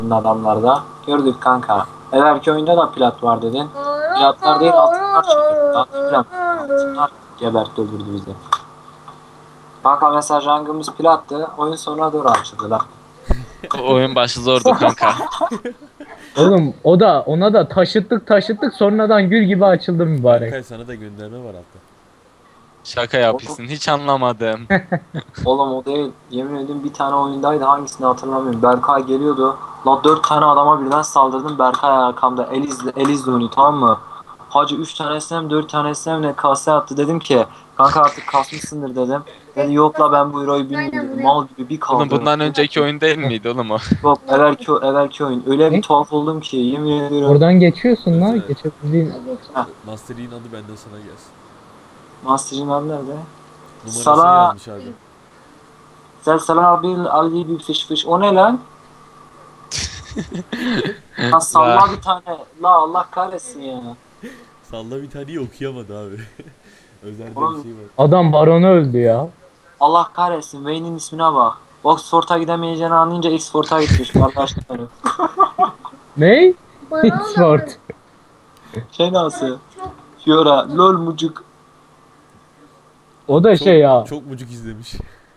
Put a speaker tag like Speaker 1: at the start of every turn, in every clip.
Speaker 1: adamlarda. Gördük kanka. Evvelki oyunda da plat var dedin. Platlar değil altınlar çıkıyor. Altınlar gebertti öldürdü bizi. Kanka mesela rangımız plattı. Oyun sonuna doğru açıldı lan.
Speaker 2: Oyun başı zordu kanka.
Speaker 3: Oğlum o da ona da taşıttık sonradan gül gibi açıldı mübarek.
Speaker 4: Berkay sana da gönderme var altta.
Speaker 2: Şaka
Speaker 1: Oğlum,
Speaker 2: yapıyorsun. Hiç anlamadım.
Speaker 1: oğlum o değil. Yemin ediyorum bir tane oyundaydı. Hangisini hatırlamıyorum. Berkay geliyordu. La 4 tane adama birden saldırdım. Berkay arkamda. El izle onu, tamam mı? Hacı 3 tanesine mi 4 tanesine mi ne kase attı. Dedim ki kanka artık kasmışsındır dedim. Dedi yok la ben bu euroyu bilmiyorum dedi. Mal gibi bir
Speaker 2: Oğlum
Speaker 1: kaldırdım.
Speaker 2: bundan önceki oyun değil miydi oğlum o?
Speaker 1: Yok evvelki oyun. Öyle bir
Speaker 3: Ne?
Speaker 1: tuhaf oldum ki yemin ediyorum.
Speaker 3: Oradan geçiyorsun lan.
Speaker 4: Evet.
Speaker 3: Geçebildiğin.
Speaker 4: Master Yi'nin adı benden sana gelsin.
Speaker 1: Master'ın adı nerede?
Speaker 4: Numarasını
Speaker 1: Sala
Speaker 4: yazmış abi.
Speaker 1: Selsela bil Ali bir fış. O ne lan? Lan
Speaker 2: La.
Speaker 1: salla bir tane. La Allah kahretsin ya.
Speaker 4: Salla bir taneyi okuyamadı abi. Özelde bir
Speaker 1: Oğlum
Speaker 4: şey var.
Speaker 3: Adam baronu öldü ya.
Speaker 1: Allah kahretsin. Wayne'in ismine bak. Oxford'a gidemeyeceğini anlayınca Oxford'a gitmiş kardeşlerim.
Speaker 3: Ne? Sword.
Speaker 1: Şey nasıl? Fiora, lol mucuk.
Speaker 3: O da
Speaker 4: Çok,
Speaker 3: şey ya.
Speaker 4: çok mucuk izlemiş.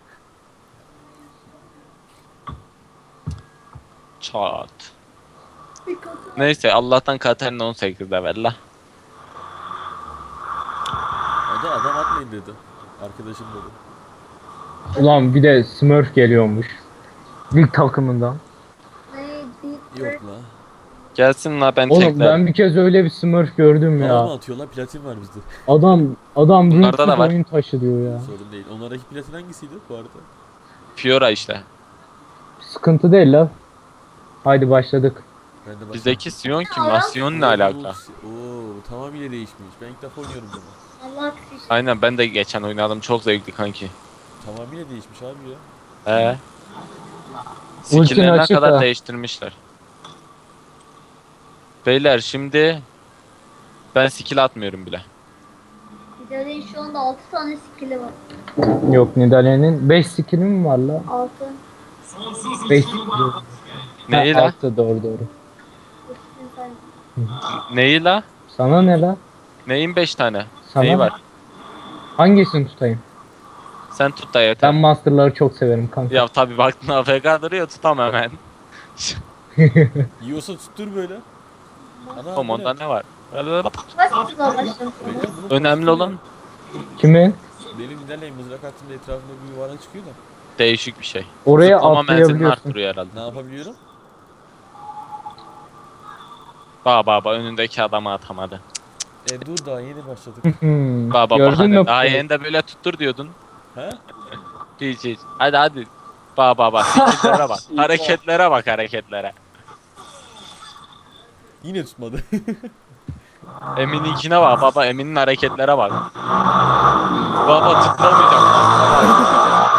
Speaker 2: Çat. Neyse Allah'tan Katarina 18'de ver la.
Speaker 4: O da adam atmayın dedi. Arkadaşım dedi.
Speaker 3: Ulan bir de Smurf geliyormuş. Lig takımından.
Speaker 4: Yok la.
Speaker 2: Gelsin la ben
Speaker 3: Oğlum
Speaker 2: teklerim.
Speaker 3: ben bir kez öyle bir Smurf gördüm
Speaker 4: Hava mı
Speaker 3: ya.
Speaker 4: atıyor la? Platin var bizde.
Speaker 3: Adam
Speaker 2: Bunlarda da
Speaker 3: Ring
Speaker 2: var.
Speaker 3: oyun taşı diyor ya.
Speaker 4: Sorun değil. Onlardaki platin hangisiydi bu arada?
Speaker 2: Fiora işte.
Speaker 3: Sıkıntı değil la. Haydi başladık.
Speaker 4: Ben de
Speaker 2: Bizdeki Sion kim la? Sion ne alaka?
Speaker 4: Oo, tamamıyla değişmiş. Ben ilk defa oynuyorum bunu.
Speaker 2: Aynen ben de geçen oynadım. Çok zevkli kanki.
Speaker 4: Tamamıyla değişmiş abi ya.
Speaker 3: Ultini
Speaker 2: Skill'lerine
Speaker 3: açık
Speaker 2: kadar
Speaker 3: ha.
Speaker 2: değiştirmişler. Beyler şimdi ben skill atmıyorum bile.
Speaker 5: Nidalee'nin şu anda 6 tane skill'i var.
Speaker 3: Yok Nidalee'nin 5 skill'i mi var la?
Speaker 5: 6.
Speaker 3: 5
Speaker 2: Neyi la?
Speaker 3: 6 doğru.
Speaker 2: Neyi la?
Speaker 3: Sana ne la?
Speaker 2: Neyin 5 tane?
Speaker 3: Sana
Speaker 2: Neyi
Speaker 3: ne?
Speaker 2: var?
Speaker 3: Hangisini tutayım?
Speaker 2: Sen tut da
Speaker 3: Ben
Speaker 2: yeter.
Speaker 3: Master'ları çok severim kanka.
Speaker 2: Ya tabi baktın AFK duruyor tutam hemen.
Speaker 4: Yiyorsa tuttur böyle. Ana
Speaker 2: Oğlum onda ne var?
Speaker 5: Kaç tuzağa başlamışsın?
Speaker 4: Bekle, bunu
Speaker 2: Önemli
Speaker 4: koştur ya.
Speaker 2: olan
Speaker 3: Kimin?
Speaker 4: Benim ilerleyin mızrak attığımda etrafında bir yuvarlak çıkıyor da.
Speaker 2: değişik bir şey.
Speaker 3: Oraya
Speaker 2: Zıplama menzilini
Speaker 3: atlayabiliyorsun.
Speaker 2: arttırıyor herhalde.
Speaker 4: Ne yapabiliyorum?
Speaker 2: Baba önündeki adamı atamadı.
Speaker 4: Dur daha yeni başladık.
Speaker 2: Baba
Speaker 3: Gördün mü?
Speaker 2: daha yeni de böyle tuttur diyordun.
Speaker 4: He?
Speaker 2: Hiç. Hadi. Baba skill'lere bak. Hareketlere.
Speaker 4: Yine tutmadı.
Speaker 2: Emin'inkine bak baba. Emin'in hareketlere bak. Baba tıklamayacak.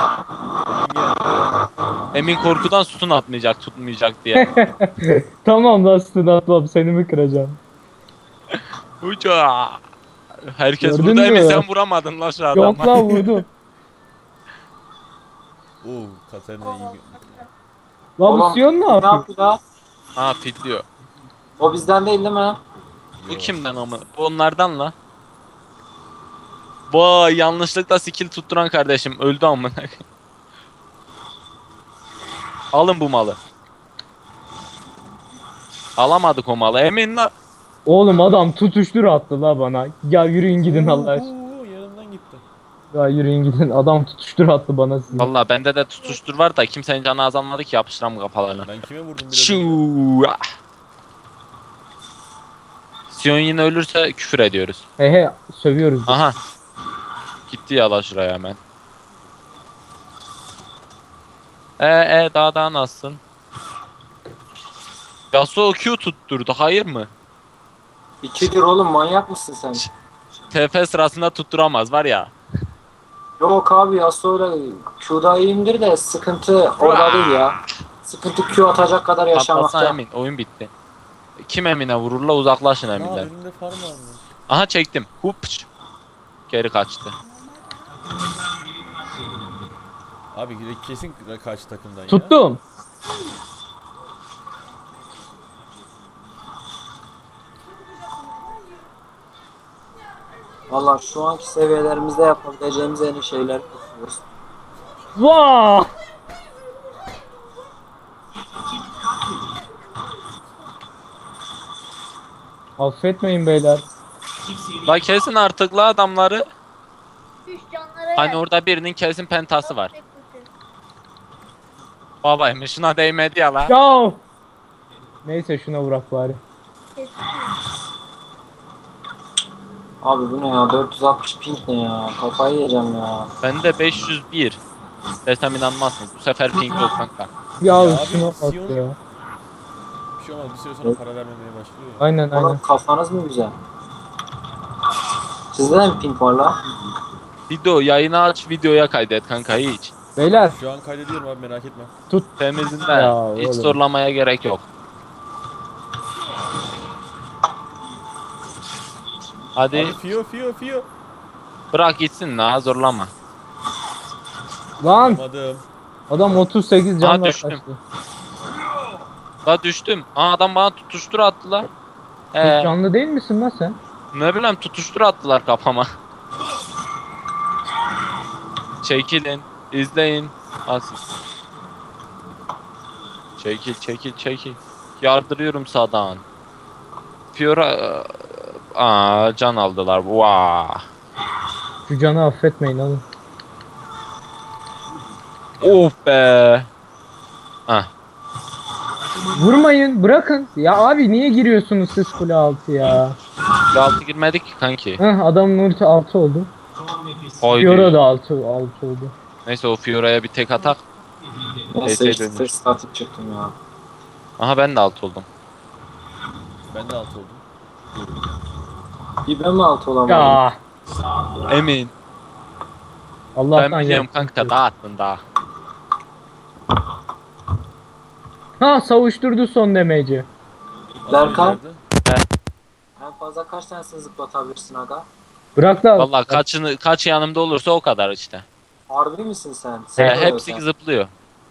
Speaker 2: Emin korkudan sütun atmayacak tutmayacak diye.
Speaker 3: Tamam lan stun atmam seni mi kıracağım?
Speaker 2: Uca. Herkes
Speaker 3: Gördün
Speaker 2: burada Emin
Speaker 3: mü?
Speaker 2: sen vuramadın lan şu adamı.
Speaker 3: Yok lan vurdu.
Speaker 4: Oo, Katarina iyi.
Speaker 3: Lan bu Sion ne
Speaker 1: ne
Speaker 3: yapıyor?
Speaker 1: yapıyor la?
Speaker 2: Ha fitliyor.
Speaker 1: O bizden değil mi?
Speaker 2: Bu kimden ama? Bu onlardan la. Vay yanlışlıkla skill tutturan kardeşim öldü amına. Alın bu malı. Alamadık o malı. Emin la.
Speaker 3: Oğlum adam tutuştur attı la bana. Ya yürüyün gidin Allah aşkına.
Speaker 4: Yanımdan gitti.
Speaker 3: Ya yürüyün gidin. Adam tutuştur attı bana sizi.
Speaker 2: Valla bende de tutuştur var da kimsenin canı azalmadı ki yapıştıram kafalarına.
Speaker 4: Ben kime vurdum biraz önce?
Speaker 2: Şuu. Sion yine ölürse küfür ediyoruz.
Speaker 3: He sövüyoruz. biz.
Speaker 2: Aha. Gitti ya la şuraya hemen. Daha nasılsın? Yasuo Q tutturdu hayır mı?
Speaker 1: İkidir oğlum, manyak mısın sen?
Speaker 2: TF sırasında tutturamaz var ya.
Speaker 1: Yok abi ya, sonra Q'da iyiyimdir de sıkıntı orada değil ya. Sıkıntı Q atacak kadar
Speaker 2: Patlasana
Speaker 1: yaşamakta.
Speaker 2: Emin oyun bitti. Kim Emin'e vururla uzaklaşın
Speaker 4: Aa,
Speaker 2: Emin'den.
Speaker 4: önümde farm varmış.
Speaker 2: Aha çektim. Hupç. Geri kaçtı.
Speaker 4: Abi kesin karşı takımdan ya.
Speaker 3: Tuttum.
Speaker 1: Valla şu anki seviyelerimizde yapabileceğimiz en iyi şeyler yapıyoruz.
Speaker 3: Vaa! Affetmeyin beyler.
Speaker 2: La kesin artık la adamları.
Speaker 5: Düş canlara
Speaker 2: Hani
Speaker 5: yer.
Speaker 2: orada birinin kesin pentası var.
Speaker 5: Tek kurtar.
Speaker 2: Babaymış şuna değmedi ya la.
Speaker 3: Ya! Neyse şuna vurak bari.
Speaker 5: Kesin.
Speaker 1: Abi bu ne ya? 460 ping ne ya? Kafayı yiyeceğim ya.
Speaker 2: Bende 501. Desem inanmazsınız. Bu sefer ping yok kanka.
Speaker 3: Ya,
Speaker 4: Ya abi,
Speaker 3: şuna bak
Speaker 4: Sion-
Speaker 3: ya.
Speaker 4: Bir şey olmaz, bir süre sonra para vermemeye başlıyor ya.
Speaker 3: Aynen aynen.
Speaker 1: Oğlum kafanız mı güzel? Sizde de mi ping var la?
Speaker 2: Video yayını aç videoya kaydet kanka hiç.
Speaker 3: Beyler
Speaker 4: Şu an kaydediyorum abi, merak etme.
Speaker 2: Temizinden
Speaker 3: Ya
Speaker 2: hiç
Speaker 3: oğlum.
Speaker 2: zorlamaya gerek yok. Hadi
Speaker 4: Abi Fio.
Speaker 2: bırak gitsin la zorlama.
Speaker 3: lan
Speaker 4: Yapamadım.
Speaker 3: adam 38
Speaker 2: Aa,
Speaker 3: canla
Speaker 2: düştüm.
Speaker 3: kaçtı.
Speaker 2: La düştüm. Aa adam bana tutuştur attı la.
Speaker 3: Hiç canlı değil misin lan sen?
Speaker 2: Ne bileyim tutuştur attılar kafama. Çekilin, izleyin. Asıl. Çekil. Yardırıyorum sağdan. Fiora can aldılar. Vaa.
Speaker 3: Şu canı affetmeyin oğlum.
Speaker 2: Of be. Ah.
Speaker 3: Vurmayın bırakın. Ya abi niye giriyorsunuz siz kule altı ya?
Speaker 2: Kule altı girmedik ki kanki.
Speaker 3: Heh adamın ulti 6 oldu.
Speaker 2: Haydi.
Speaker 3: Fiora da 6 oldu.
Speaker 2: Neyse o Fiora'ya bir tek atak.
Speaker 1: Neyse
Speaker 2: Neyse,
Speaker 1: işte
Speaker 2: dönüş.
Speaker 1: first static çıktım ya.
Speaker 2: Aha ben de alt oldum.
Speaker 4: Ben de alt oldum.
Speaker 1: Bir ben mi altı olamadım?
Speaker 3: Ya
Speaker 2: Emin.
Speaker 3: Allah'tan
Speaker 2: Ben biliyorum
Speaker 3: yaptım.
Speaker 2: kanka dağıttın daha.
Speaker 3: Ha savuşturdu son demeci.
Speaker 1: Berkan?
Speaker 4: Nerede?
Speaker 1: En fazla kaç tanesini zıplatabilirsin aga?
Speaker 3: Bırak da.
Speaker 2: Vallahi kaç yanımda olursa o kadar işte.
Speaker 1: Harbi misin sen?
Speaker 2: He,
Speaker 1: Sen
Speaker 2: hepsi zıplıyor.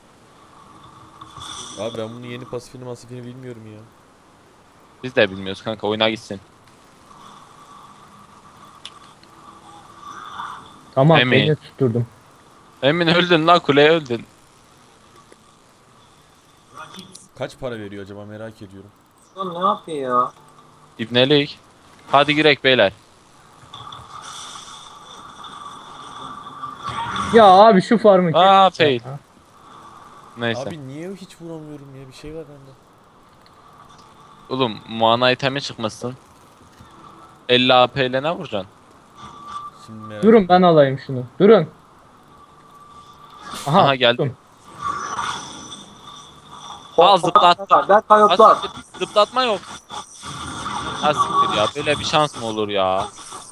Speaker 4: Abi ben bunun yeni pasifini bilmiyorum ya.
Speaker 2: Biz de bilmiyoruz kanka oyuna gitsin.
Speaker 3: Tamam
Speaker 2: Emin.
Speaker 3: beni tutturdum.
Speaker 2: Emin öldün la kuleye öldün.
Speaker 4: Kaç para veriyor acaba, merak ediyorum.
Speaker 1: Lan ne yapıyor ya?
Speaker 2: İbnelik. Hadi girek beyler.
Speaker 3: Ya abi şu farmı kes.
Speaker 2: Aa fail.
Speaker 3: Ya.
Speaker 2: Neyse.
Speaker 4: Abi niye hiç vuramıyorum ya, bir şey var bende.
Speaker 2: Oğlum mana itemi çıkmasın. 50 AP ile ne vuracaksın?
Speaker 4: Şimdi merak
Speaker 3: Durun ben alayım şunu. Durun.
Speaker 2: Aha, geldi.
Speaker 3: tuttum.
Speaker 2: Aa zıplattı.
Speaker 1: Berkay yoklar.
Speaker 2: Zıplatma yok. Ha siktir ya böyle bir şans mı olur ya?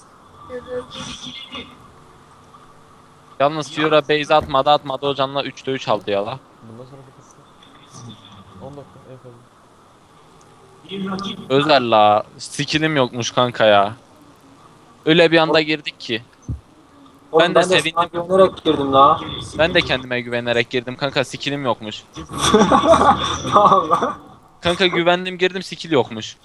Speaker 2: Yalnız Fiora base atmadı o canla 3'te 3 aldı ya la.
Speaker 4: Bundan sonra bakasın. 10 dakika en fazla.
Speaker 2: Özel la. Skillim yokmuş kanka ya. Öyle bir anda girdik ki.
Speaker 1: Oğlum,
Speaker 2: Ben de sevindim.
Speaker 1: sana güvenerek girdim la.
Speaker 2: Ben de kendime güvenerek girdim kanka skillim yokmuş.
Speaker 1: Allah.
Speaker 2: Kanka güvendim girdim skill yokmuş.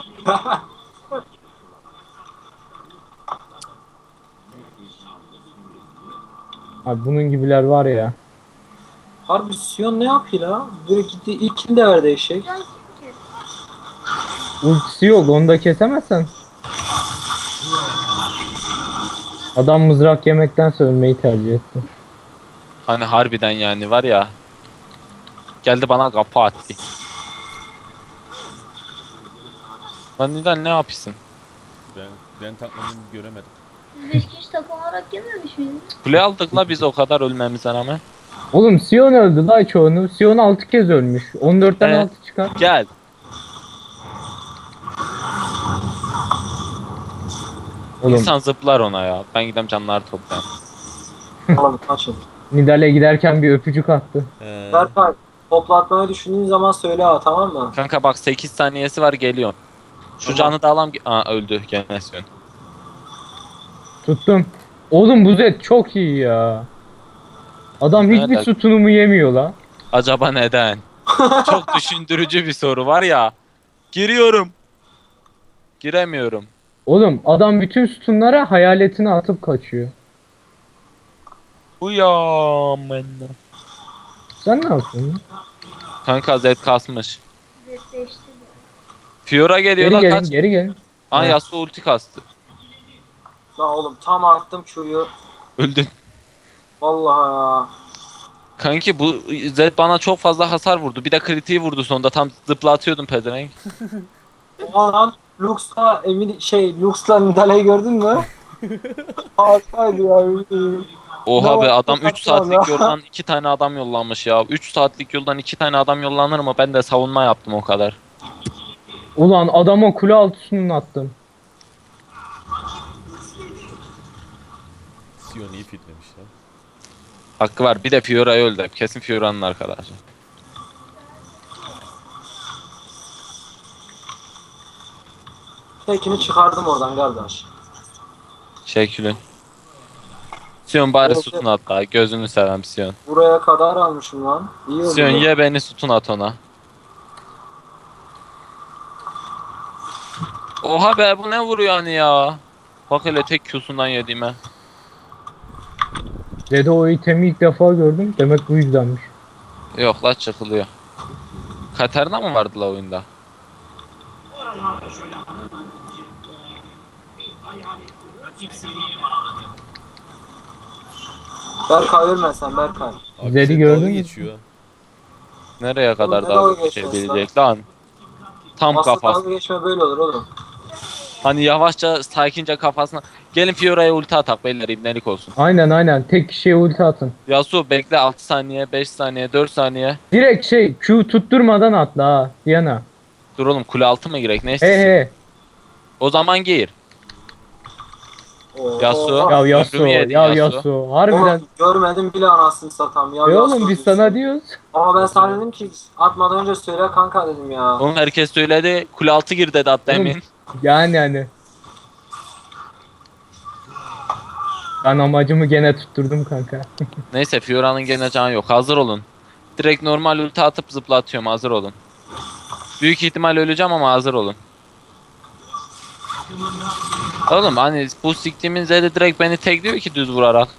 Speaker 3: Abi bunun gibiler var ya.
Speaker 1: Harbi Sion ne yapıyor la? Böyle gitti ilk kill de verdi eşek.
Speaker 5: Can kim ki?
Speaker 3: Ultisi yok onu da kesemezsen. Adam mızrak yemektense ölmeyi tercih etti.
Speaker 2: Hani harbiden yani var ya. Geldi bana kapı attı. Lan neden ne yapıyorsun?
Speaker 4: Ben takmadığımı göremedim.
Speaker 5: Biz 5 kişi takım olarak gelmemiş miydiniz?
Speaker 2: Kule aldık la biz o kadar ölmemize rağmen.
Speaker 3: Oğlum Sion öldü la çoğunu. Sion 6 kez ölmüş. 14'ten 6 çıkar.
Speaker 2: Gel.
Speaker 3: Oğlum
Speaker 2: İnsan zıplar ona ya. Ben gidem canları toplayayım.
Speaker 1: Oğlum kaçın.
Speaker 3: Nidale giderken bir öpücük attı.
Speaker 1: Berkay toplatmayı düşündüğün zaman söyle ha, tamam mı?
Speaker 2: Kanka bak 8 saniyesi var geliyor. Şu
Speaker 1: Tamam.
Speaker 2: canı da alam. Aa öldü gene Sion.
Speaker 3: Tuttum. Oğlum bu Zed çok iyi ya. Adam hiçbir
Speaker 2: Nerede?
Speaker 3: sütunumu yemiyor la.
Speaker 2: Acaba neden? Çok düşündürücü bir soru var ya. Giriyorum. Giremiyorum.
Speaker 3: Oğlum adam bütün sütunlara hayaletini atıp kaçıyor.
Speaker 2: Uyan benden.
Speaker 3: Sen ne yapıyorsun?
Speaker 2: Kanka Zed kasmış.
Speaker 5: Zetleşti de.
Speaker 2: Fiora geliyor
Speaker 3: Geri
Speaker 2: la
Speaker 3: gelin,
Speaker 2: kaç.
Speaker 3: geri gelin.
Speaker 2: Aa
Speaker 3: Ha.
Speaker 2: Yasuo ulti kastı.
Speaker 1: Lan oğlum tam attım Q'yu.
Speaker 2: Öldün.
Speaker 1: Vallahi ya.
Speaker 2: Kanki bu Zed bana çok fazla hasar vurdu. Bir de kritiği vurdu sonunda. Tam zıplatıyordum pezevenk.
Speaker 1: Oha lan Lux'la Lux'la Nidalee'yi gördün mü? Harikaydı ya.
Speaker 2: Oha
Speaker 1: Ne
Speaker 2: be
Speaker 1: var?
Speaker 2: adam
Speaker 1: Çok
Speaker 2: 3
Speaker 1: tatlı
Speaker 2: saatlik
Speaker 1: ya.
Speaker 2: yoldan 2 tane adam yollanmış ya. 3 saatlik yoldan 2 tane adam yollanır mı? Ben de savunma yaptım o kadar.
Speaker 3: Ulan adama kule altısını attım.
Speaker 4: Sion iyi fitlemiş lan.
Speaker 2: Hakkı var. Bir de Fiora'yı öldü. Kesin Fiora'nın arkadaşı.
Speaker 1: Tekini çıkardım oradan kardeş.
Speaker 2: Şekilin. Sion bari
Speaker 1: Evet,
Speaker 2: sütun at daha. Gözünü seveyim Sion.
Speaker 1: Buraya kadar almışım lan. İyi oldu.
Speaker 2: Sion ye beni sütun at ona. Oha be bu ne vuruyor hani ya? Bak hele tek Q'sundan yediğime.
Speaker 3: Dede o itemi ilk defa gördüm. Demek bu yüzdenmiş.
Speaker 2: Yok la çıkılıyor. Katarina mı vardı la oyunda?
Speaker 1: Berkay ölmesen Berkay.
Speaker 4: Abi
Speaker 3: Zed'i
Speaker 4: Zed
Speaker 3: gördün
Speaker 4: dalga
Speaker 3: mü?
Speaker 4: geçiyor ha.
Speaker 2: Nereye kadar
Speaker 1: ne
Speaker 2: daha
Speaker 1: dalga
Speaker 2: bir şey
Speaker 1: geçiyorsun
Speaker 2: bilecek lan? Tam
Speaker 1: Aslında
Speaker 2: kafası.
Speaker 1: dalga geçme böyle olur oğlum.
Speaker 2: Hani yavaşça sakince kafasına. Gelin Fiora'ya ulti atak beyler ibnelik olsun.
Speaker 3: Aynen. Tek kişiye ulti atın.
Speaker 2: Yasuo bekle 6 saniye, 5 saniye, 4 saniye.
Speaker 3: Direkt Q tutturmadan atla ha. Diana.
Speaker 2: Dur oğlum kule altı mı girek ne
Speaker 3: He
Speaker 2: istiyorsun?
Speaker 3: he.
Speaker 2: O zaman gir.
Speaker 1: Oo.
Speaker 2: Yasuo.
Speaker 3: Ya
Speaker 2: Ömrümü
Speaker 3: Yasuo.
Speaker 2: yedin
Speaker 3: Ya
Speaker 2: Yasuo.
Speaker 3: Yasuo. Harbiden.
Speaker 1: Oğlum, görmedim bile anasını satam ya.
Speaker 3: Oğlum
Speaker 1: Yasuo
Speaker 3: biz
Speaker 1: diyorsun.
Speaker 3: sana diyoruz.
Speaker 1: Ama ben sana dedim ki atmadan önce söyle kanka dedim ya.
Speaker 2: Oğlum herkes söyledi. Kule altı gir dedi hatta
Speaker 3: Oğlum,
Speaker 2: emin.
Speaker 3: Yani hani. Ben amacımı gene tutturdum kanka.
Speaker 2: Neyse Fiora'nın gene canı yok. Hazır olun. Direkt normal ulti atıp zıplatıyorum. Hazır olun. Büyük ihtimal öleceğim ama hazır olun. Oğlum hani bu siktiğimin Z'de direkt beni tekliyor ki düz vurarak.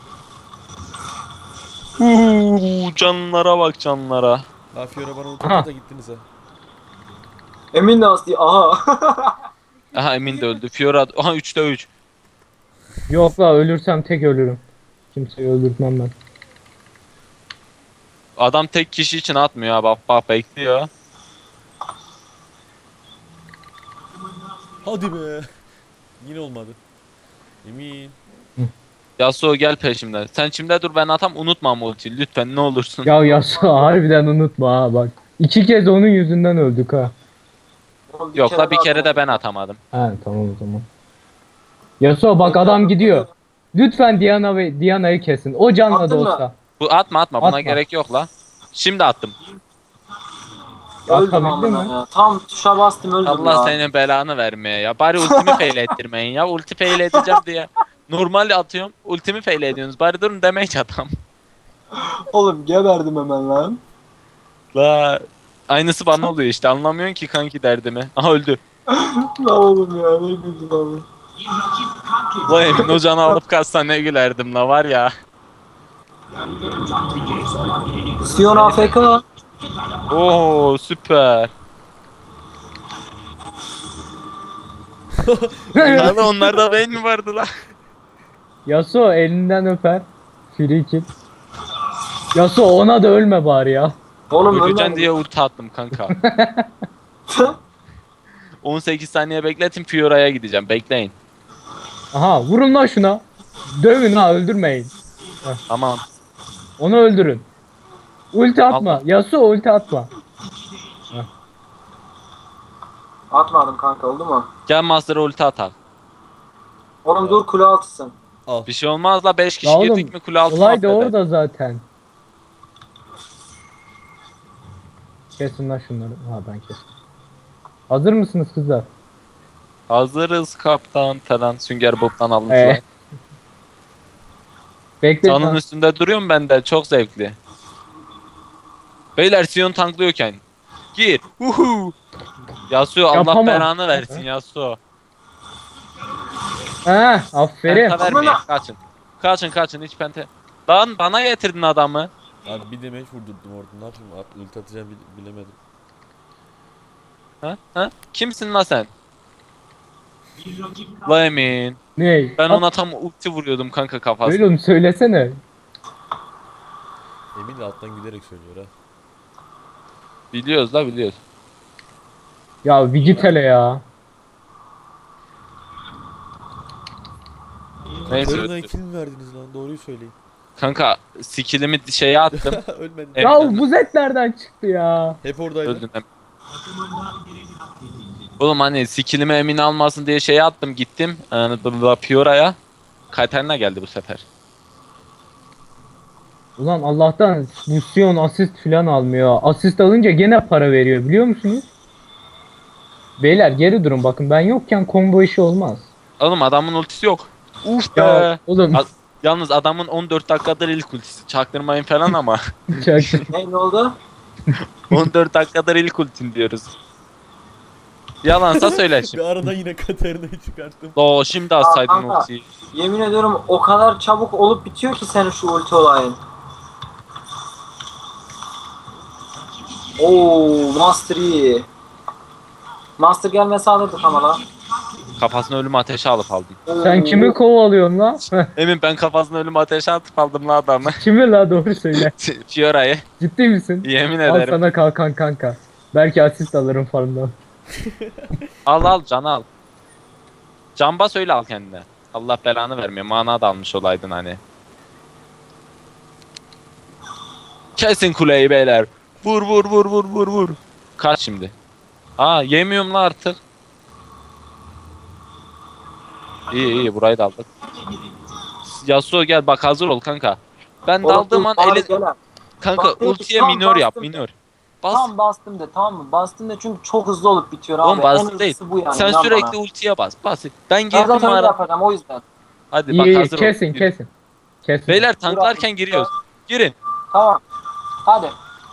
Speaker 2: Canlara bak canlara.
Speaker 4: Ha Fiora bana
Speaker 3: Aha.
Speaker 4: ulti da gittiniz ha.
Speaker 1: Emin de asti aha.
Speaker 2: Aha Emin de öldü. Fiora aha 3'te 3.
Speaker 3: Yok la ölürsem tek ölürüm. Kimseyi öldürtmem ben.
Speaker 2: Adam tek kişi için atmıyor ha bak bak bekliyor.
Speaker 4: Hadi be. Yine olmadı. Emin.
Speaker 2: Yasuo gel peşimden. Sen şimdi dur ben atam unutma ama ultiyi lütfen ne olursun.
Speaker 3: Ya Yasuo harbiden unutma ha bak. 2 kez onun yüzünden öldük ha.
Speaker 1: Oğlum,
Speaker 2: Yok la bir
Speaker 1: daha
Speaker 2: kere de ben
Speaker 1: atmadım.
Speaker 2: atamadım.
Speaker 3: Ha tamam o zaman. Yasuo bak adam gidiyor. Lütfen Diana'yı kesin. O canla da
Speaker 1: Attın mı?
Speaker 3: olsa.
Speaker 2: Bu atma buna
Speaker 3: Atma.
Speaker 2: gerek yok la. Şimdi attım.
Speaker 1: Öldüm
Speaker 3: Atabildin
Speaker 1: amına
Speaker 3: mi?
Speaker 1: ya. Tam tuşa bastım öldüm
Speaker 2: Allah
Speaker 1: ya.
Speaker 2: senin belanı vermeye ya. Bari ultimi fail ettirmeyin ya. Ulti fail edeceğim diye. Normal atıyorum. Ultimi fail ediyorsunuz. Bari durun demeç adam.
Speaker 1: Oğlum geberdim hemen lan.
Speaker 2: La aynısı bana oluyor işte. Anlamıyorsun ki kanki derdimi. Aha öldü.
Speaker 1: La oğlum ya ne güldüm abi.
Speaker 2: La Emin o canı alıp kaçsa ne gülerdim la var ya.
Speaker 1: Sion AFK.
Speaker 2: Oo süper. Abi onlarda beyin mi vardı la?
Speaker 3: Yasuo elinden öper. Free kill. Yasuo ona da ölme bari ya.
Speaker 1: Oğlum
Speaker 2: Öleceksin
Speaker 1: ölmedim.
Speaker 2: diye ulti attım kanka. 18 saniye bekletin Fiora'ya gideceğim. Bekleyin.
Speaker 3: Aha vurun lan şuna. Dövün ha öldürmeyin.
Speaker 2: Tamam.
Speaker 3: Onu öldürün. Ulti atma.
Speaker 2: Allah.
Speaker 3: Yasuo ulti atma.
Speaker 1: Atmadım kanka oldu mu?
Speaker 2: Gel Master'a ulti atak.
Speaker 1: Oğlum dur kule altısın.
Speaker 4: Al.
Speaker 2: Bir şey olmaz la 5 kişi
Speaker 3: Ya oğlum
Speaker 2: girdik mi kule altına
Speaker 3: olay da
Speaker 2: affeder.
Speaker 3: orada zaten. Kesin lan şunları. Ha ben kestim. Hazır mısınız kızlar?
Speaker 2: Hazırız kaptan falan Sünger Bob'tan almışlar.
Speaker 3: Bekle.
Speaker 2: Canın üstünde duruyorum ben de çok zevkli. Beyler Sion tanklıyorken. Gir. Uhu. Yasuo Allah
Speaker 3: Yapamam.
Speaker 2: belanı versin Yasuo.
Speaker 3: Aferin.
Speaker 2: Penta vermeyin. Kaçın. Kaçın hiç pente. Lan bana getirdin adamı.
Speaker 4: Abi bir demeç vurdurdum orada. Ne yapayım? Ulti atacağım bilemedim.
Speaker 2: Ha? Kimsin lan sen? La Emin.
Speaker 3: Ney?
Speaker 2: Ben ona tam ulti vuruyordum kanka kafasına.
Speaker 3: Oğlum söylesene.
Speaker 4: Emin de alttan gülerek söylüyor ha.
Speaker 2: Biliyoruz.
Speaker 3: Ya bir git hele ya.
Speaker 2: Neyse.
Speaker 4: Ölümden kill mi verdiniz lan? Doğruyu söyleyin.
Speaker 2: Kanka skillimi şeye attım.
Speaker 4: Ölmedim.
Speaker 2: Evet.
Speaker 3: Ya bu zet nereden çıktı ya?
Speaker 4: Hep oradaydı.
Speaker 2: Öldün. Oğlum hani skillimi Emin almasın diye şeye attım gittim. Fiora'ya. Katarina geldi bu sefer.
Speaker 3: Ulan Allah'tan Lucian asist falan almıyor. Asist alınca gene para veriyor biliyor musunuz? Beyler geri durun bakın ben yokken combo işi olmaz.
Speaker 2: Oğlum adamın ultisi yok. Uf be.
Speaker 3: Ya oğlum
Speaker 2: Yalnız adamın 14 dakikadır ilk ultisi. Çaktırmayın falan ama.
Speaker 3: çaktım.
Speaker 1: Ne oldu?
Speaker 2: 14 dakikadır ilk ultin diyoruz. Yalansa söyle
Speaker 4: Bir
Speaker 2: şimdi.
Speaker 4: arada yine Katarina'yı çıkarttım.
Speaker 2: Oo şimdi atsaydın
Speaker 1: kanka.
Speaker 2: ultiyi.
Speaker 1: Yemin ediyorum o kadar çabuk olup bitiyor ki senin şu ulti olayın. Oo, Master iyi. Master gelmese alırdık ama lan.
Speaker 2: Kafasına ölüm ateşi alıp aldım.
Speaker 3: Sen kimi kovalıyorsun lan?
Speaker 2: Emin ben kafasına ölüm ateşi atıp aldım la adamı.
Speaker 3: Kimi la doğru söyle.
Speaker 2: Fiora'yı.
Speaker 3: Ciddi misin?
Speaker 2: Yemin
Speaker 3: Al
Speaker 2: ederim.
Speaker 3: sana kalkan kanka. Belki asist alırım farmdan.
Speaker 2: Al can al. Can bas öyle al kendine. Allah belanı vermiyor. Mana da almış olaydın hani. Kesin kuleyi beyler. Vur. Kaç şimdi. Yemiyorum la artık. İyi burayı da aldık. Yasuo gel bak hazır ol kanka. Ben daldığım an kanka
Speaker 1: Bak,
Speaker 2: ultiye
Speaker 1: tam
Speaker 2: minör yap
Speaker 1: bastım.
Speaker 2: minör. Bas.
Speaker 1: Tam bastım de tamam mı? Bastım de çünkü çok hızlı olup bitiyor abi.
Speaker 2: Oğlum
Speaker 1: En
Speaker 2: bastı değil.
Speaker 1: hızlısı bu yani.
Speaker 2: Sen
Speaker 1: inan
Speaker 2: sürekli
Speaker 1: bana.
Speaker 2: ultiye bas. Ben
Speaker 1: Ben
Speaker 2: girdim
Speaker 1: zaten öyle
Speaker 2: ara.
Speaker 1: yapacağım o yüzden.
Speaker 2: Hadi bak
Speaker 3: İyi
Speaker 2: hazır ol.
Speaker 3: kesin. Kesin.
Speaker 2: Beyler tanklarken giriyoruz. Girin.
Speaker 1: Tamam. Hadi.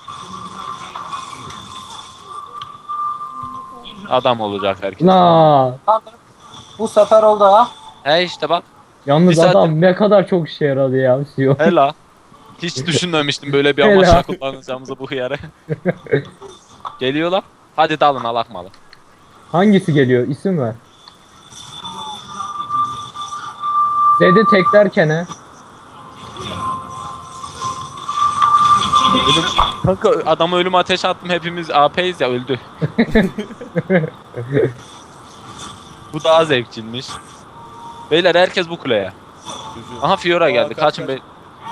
Speaker 2: Adam olacak herkes.
Speaker 3: La.
Speaker 1: Tamam. Bu sefer oldu ha.
Speaker 2: He işte bak.
Speaker 3: Yalnız
Speaker 2: Bir saattir-
Speaker 3: adam ne kadar çok işe yaradı ya. Sio.
Speaker 2: Hela. Hiç düşünmemiştim böyle bir
Speaker 3: Hela.
Speaker 2: amaçla kullanacağımızı bu hıyarı. Geliyorlar. Hadi dalın alak malı.
Speaker 3: Hangisi geliyor? İsim ver. Zed'i teklerken he.
Speaker 2: Kanka adama ölüm ateşi attım hepimiz AP'yiz ya öldü. Bu daha zevkliymiş. Beyler herkes bu kuleye.
Speaker 4: Çocuğu.
Speaker 2: Aha Fiora geldi.
Speaker 4: Kaç,
Speaker 2: Kaçın
Speaker 4: kaç.
Speaker 2: be.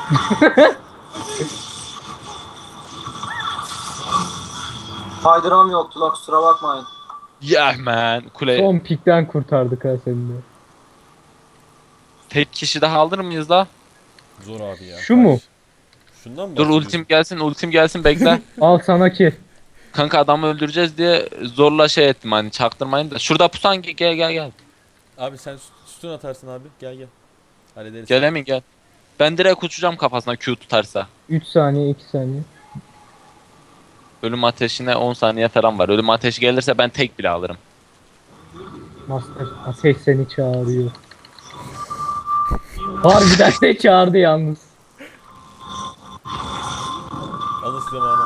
Speaker 1: Kaydıram yoktu la kusura bakmayın.
Speaker 2: Yeah man. Kule.
Speaker 3: Son pikten kurtardık ha seni de.
Speaker 2: Tek kişi daha alır mıyız la?
Speaker 4: Zor abi ya.
Speaker 3: Şu mu?
Speaker 4: Şundan mı
Speaker 2: Dur
Speaker 4: bahsediyorsun?
Speaker 2: ultim gelsin bekle.
Speaker 3: Al sana kill.
Speaker 2: Kanka adamı öldüreceğiz diye zorla şey ettim hani çaktırmayın da. Şurada pusan gel.
Speaker 4: Abi sen sütun atarsın abi. Gel. Hallederiz.
Speaker 2: Gel Emin gel. Ben direkt uçacağım kafasına Q tutarsa.
Speaker 3: 3 saniye 2 saniye.
Speaker 2: Ölüm ateşine 10 saniye falan var. Ölüm ateşi gelirse ben tek bile alırım.
Speaker 3: Master ateş seni çağırıyor. Harbiden de çağırdı yalnız.
Speaker 4: Alın size mana.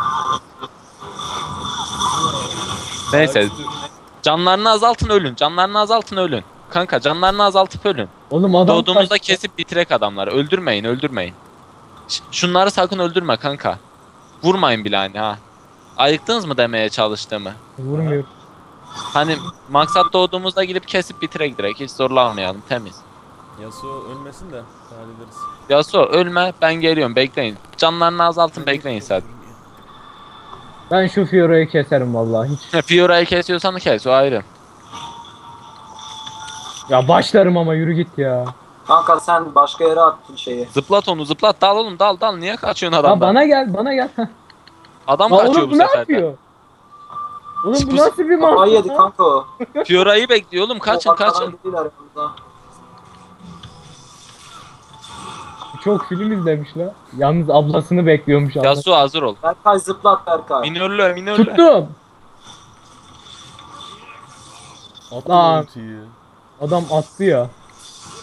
Speaker 2: Neyse
Speaker 4: Abi, sütü-
Speaker 2: canlarını azaltın ölün. Kanka canlarını azaltıp ölün.
Speaker 3: Oğlum adam
Speaker 2: Doğduğumuzda
Speaker 3: kaçtı.
Speaker 2: kesip bitirek adamları. Öldürmeyin. Şunları sakın öldürme kanka. Vurmayın bile hani ha. Ayıktınız mı demeye çalıştığımı?
Speaker 3: Vurmuyor.
Speaker 2: Hani maksat doğduğumuzda gidip kesip bitirek direkt. Hiç zorlanmayalım temiz.
Speaker 4: Yasuo ölmesin de hallederiz.
Speaker 2: Yasuo ölme ben geliyorum bekleyin. Canlarını azaltın bekleyin sen.
Speaker 3: Ben şu Fiora'yı keserim vallahi hiç.
Speaker 2: Fiora'yı kesiyorsan kes o ayrı.
Speaker 3: Ya başlarım ama yürü git ya.
Speaker 1: Kanka sen başka yere attın şeyi.
Speaker 2: Zıplat onu zıplat dal oğlum dal niye kaçıyorsun
Speaker 3: Ya
Speaker 2: adamdan?
Speaker 3: bana gel. Heh.
Speaker 2: Adam
Speaker 3: Ya
Speaker 2: kaçıyor
Speaker 3: oğlum
Speaker 2: bu
Speaker 3: bu ne
Speaker 2: sefer de.
Speaker 3: yapıyor? Oğlum bu
Speaker 2: Bu-
Speaker 3: nasıl bir
Speaker 1: Kafayı yedi
Speaker 3: mantık?
Speaker 1: kanka o.
Speaker 2: Fiora'yı bekliyor oğlum kaçın
Speaker 1: O arkadan
Speaker 2: kaçın.
Speaker 1: gidiyorlar yanımıza.
Speaker 3: Çok film izlemiş la. Yalnız ablasını bekliyormuş abla.
Speaker 2: Yasuo hazır ol.
Speaker 1: Berkay zıplat Berkay.
Speaker 2: Minörlü.
Speaker 3: Tuttum.
Speaker 4: Attı
Speaker 3: Lan.
Speaker 4: ultiyi.
Speaker 3: Adam attı ya.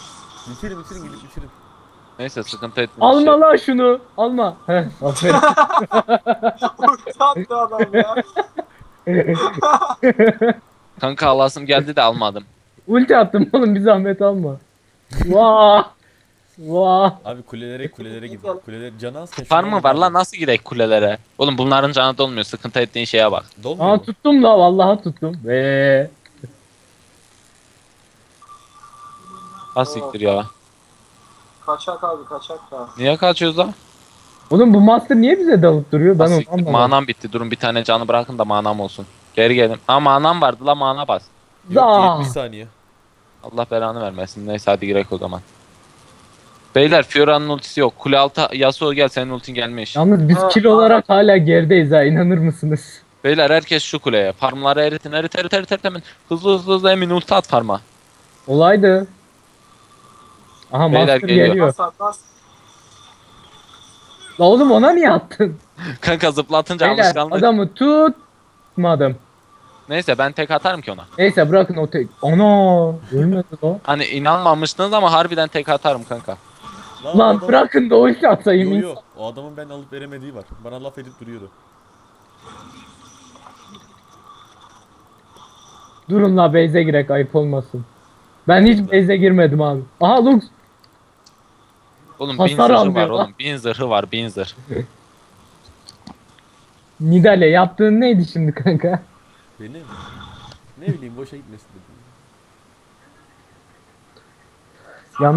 Speaker 4: Bitirin gidip bitirin.
Speaker 2: Neyse sıkıntı etme.
Speaker 3: Alma lan şunu. Alma. Heh, aferin.
Speaker 1: Ulti attı adam ya.
Speaker 2: Kanka alasım geldi de almadım.
Speaker 3: Ulti attım oğlum, bir zahmet alma. Vah. Vah.
Speaker 4: Abi kulelere gidin. Kuleler canı az
Speaker 2: Var mı var lan, nasıl girek kulelere? Oğlum bunların canı dolmuyor, sıkıntı ettiğin şeye bak.
Speaker 4: Dolmuyor
Speaker 3: Aa
Speaker 4: mu?
Speaker 3: tuttum la, vallahi tuttum.
Speaker 2: Ha siktir ya.
Speaker 1: Kaçak abi kaçak da.
Speaker 2: Niye kaçıyoruz lan?
Speaker 3: Oğlum bu master niye bize dalıp duruyor? Ben
Speaker 2: Ha
Speaker 3: onu
Speaker 2: siktir,
Speaker 3: anlamadım.
Speaker 2: manam bitti. Durun bir tane canı bırakın da manam olsun. Geri gelin. Ha manam vardı la, mana bas.
Speaker 4: Yok
Speaker 3: Zaa.
Speaker 4: 70 saniye.
Speaker 2: Allah belanı vermesin. Neyse hadi girek o zaman. Beyler Fiora'nın ultisi yok. Kule altı Yasuo gel, senin ultin gelmiş.
Speaker 3: Yalnız biz
Speaker 1: Ha,
Speaker 3: kil olarak hala gerideyiz ha, inanır mısınız?
Speaker 2: Beyler herkes şu kuleye. Farmları eritin erit hemen. Hızlı Emin ulti at farma.
Speaker 3: Olaydı. Aha
Speaker 2: Beyler
Speaker 3: master
Speaker 2: geliyor.
Speaker 3: geliyor.
Speaker 1: Bas.
Speaker 3: La oğlum ona niye attın?
Speaker 2: Kanka zıplatınca
Speaker 3: Beyler
Speaker 2: alışkanlık.
Speaker 3: adamı tutmadım.
Speaker 2: Neyse ben tek atarım ki ona.
Speaker 3: Neyse bırakın o tek. Ana ölmedi o.
Speaker 2: Hani inanmamıştınız ama harbiden tek atarım kanka.
Speaker 4: Lan,
Speaker 3: Lan
Speaker 4: adam-
Speaker 3: bırakın da ulti atayım.
Speaker 4: Yo yo. O adamın ben alıp veremediği var. Bana laf edip duruyordu.
Speaker 3: Durun la, base'e girek, ayıp olmasın. Ben hiç base'e girmedim abi. Aha Lux.
Speaker 2: Oğlum
Speaker 3: Hasar
Speaker 2: 1000 zırhı
Speaker 3: almıyor
Speaker 2: var
Speaker 3: lan.
Speaker 2: oğlum. 1000 zırhı var, 1000 zırh.
Speaker 3: Nidale yaptığın neydi şimdi kanka?
Speaker 4: Benim. Ne bileyim boşa gitmesin dedim.